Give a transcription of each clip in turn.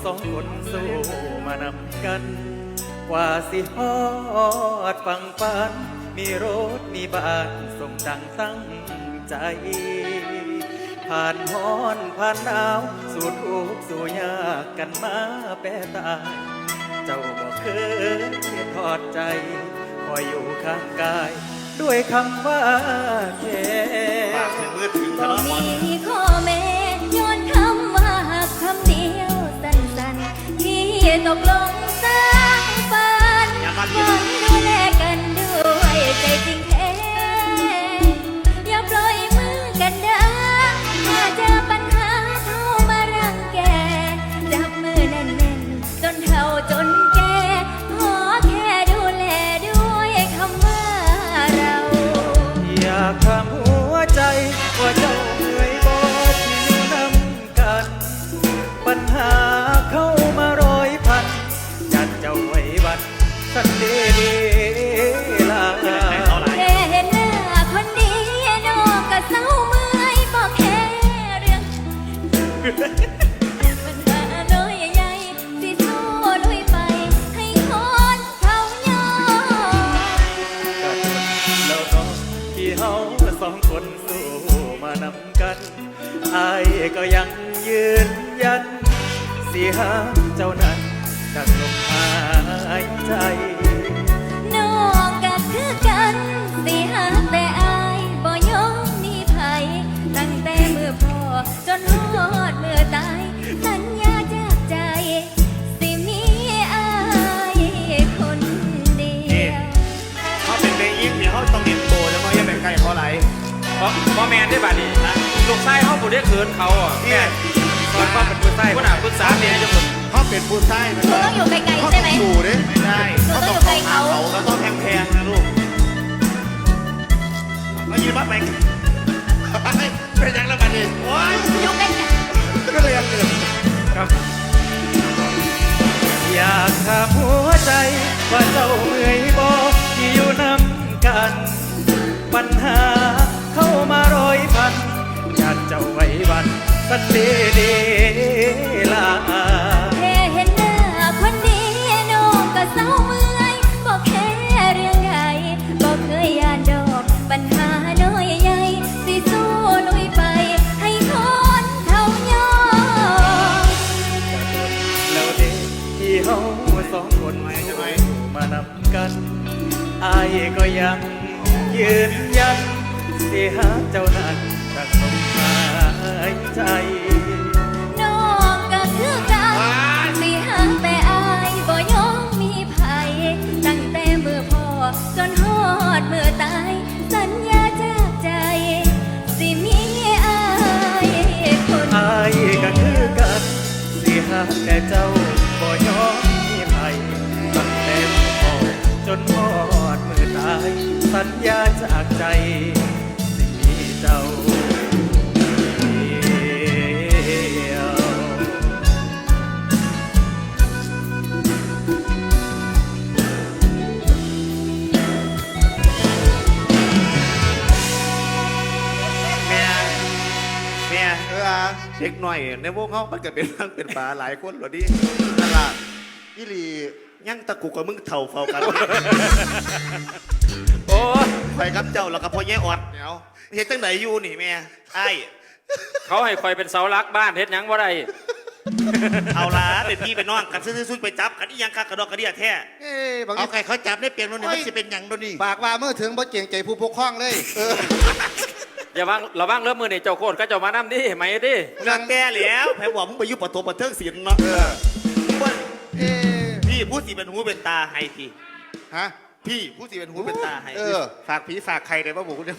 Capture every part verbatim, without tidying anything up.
องคนสู้มานำกันกว่าสิฮอดฟังฝันมีรถมีบ้านสมดังตั้งใจผ่านฮ้อนผ่านหนาวสู่ทุกข์สู่ยากกันมาแปรตายเจ้าบอกเคยทอดใจคอยอยู่ข้างกายด้วยคำว่าแค่ปากถึงมือถึงทะเลาะกันมีข้อแม้ย้อนคำว่าหักคำเดียวสั้นๆที่ตกลงสร้างฝันฝันดูแลกันด้วยใจจริงแท้อย่าปล่อยมือกันนะถ้าเจอปัญหาเข้ามารังแกจับมือแน่นๆจนเฒ่าจนแก่ขอแค่ดูแลด้วยคำว่าเราอยากถามหัวใจว่าเจ้าเหนื่อยบ่ที่อยู่นำกันปัญหาเข้ามาร้อยพันจัดเจ้าไว้บัดสันเดดีลาแค่เห็นหน้าคนดีน้องก็เศร้าเมื่อยบอกแค่เรื่องปัญหาน้อยใหญ่ที่สู้ลุยไปให้คนเขายอมกัดแล้วน้องที่เฮาสองคนสู้มานำกันอายก็ยังยืนยันสิหาเจ้านั้นดังลมหายใจน้องก็คือกันสิหาแต่อายบ่ยอมมีภัยตั้งแต่มือพ่อจนฮอดมือตายสัญญาจากใจสิมีอายคนเดียวเขาเป็นเบยิงเนี่ยเขาต้องเห็นโตแล้วเขาอย่าไปใกล้เขาไหลเพราะเพราะแมนได้บัดนี้ลูกไส้เขาบุได้เขินเขาอ่ะแม่ตอนเขาเป็นผู้ไส้ผู้หนาผู้สาเนี่ยจะหมดเขาเป็นผู้ไส้หนูต้องอยู่ไกลๆใช่ไหมอยู่ดิไม่ได้เขาต้องอยู่ไกลเขาเราต้องแพงๆนะลูกมายืนบัดไปเป็นยังแล้วบัดนี้โอ้ยอยู่ใกล้ก็เลยยังเกิดครับอยากถามหัวใจว่าเจ้าเมื่อยบ่ที่อยู่นำกันปัญหาเข้ามาร้อยพันอยากเจ้าไว้วันสันเดเดลาแค่เห็นหน้าคนดีน้องก็เศร้าเมื่อยบอกแค่เรื่องใหญ่บอกเคยยานดอกปัญหาน้อยใหญ่สิสู้ลุยไปให้คนเขายอมแล้วเด็กที่เฮาสองคนมานำกันอายก็ยังยืนยันสิหาเจ้านั้นดังลมหายใจน้องก็คือกันสิหาแต่อายบ่ยอมมีภัยตั้งแต่มือพ่อจนฮอดมือตายสัญญาจากใจสิมีอายคนอายก็คือกันสิหาแต่เจ้าบ่ยอมมีภัยตั้งแต่มือพ่อจนฮอดมือตายสัญญาจากใจสิมีเจ้าเด็กหน่อยในวงเขามันก็เป็นเรื่องเป็นป่าหลายคนหรอดิตลาดยี่ลียั่งตะกุกกับมึงเท่าเฝ้ากันโอ้ไปกับเจ้าแล้วก็พ่อแย่อดเนาะเฮ็ดตั้งไหนอยู่นี่แม่ไอ้เขาให้คอยเป็นเสาหลักบ้านเฮ็ดยังว่าไรเอาละเป็นพี่เป็นน้องกันซื้อๆไปจับกันอีหยังคักกระดอกกระเดียแท้เอาใครเขาจับได้เปลี่ยนโน่นนี่มันจะเป็นหยังโน่นนี่ปากว่าเมื่อถึงบ่เก่งใจผู้ปกครองเลยอย่าว่างเราว่างเริ่มมือนี่เจ้าโคตรก็เจ้ามานั่ดิไหมดิเรื่องแก่แล้วแพ้บอกมึงไปยุบปะโถปะเทิงศิลป์เนาะพี่ผู้สีเป็นหูเป็นตาให้พี่ฮะพี่ผู้สีเป็นหูเป็นตาให้ฝากผีฝากใครเลยว่าบอกเนี่ย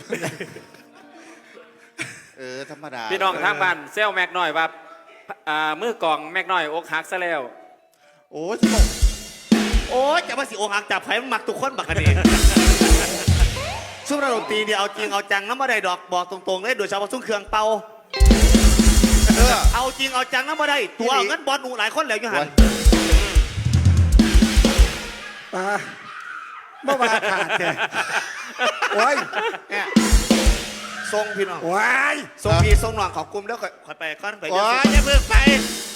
เออธรรมดาพี่น้องทางบ้านเซลแม็กน้อยว่ามือกล่องแม็กน้อยอกหักซะแล้วโอ้ยโอ้ยจะมาสิอกหักจับไผ่มันหมักทุกคนบักกันเองช่วงระดมตีเนี่ยเอาจริงเอาจังน้ำมาได้ดอกบอกตรงๆเลยโดยเฉพาะช่วงเครื่องเป่าเอาจริงเอาจังน้ำมาได้ตัวเงินบอลหนูหลายคนแล้วอยู่หันป้าเมื่อวานขาดแกโอ้ยทรงพี่น้องโอ้ยทรงพี่ทรงหน่องขอบกลุ่มแล้วค่อยไปก้อนไปโอ้ยอย่าเพิ่งไป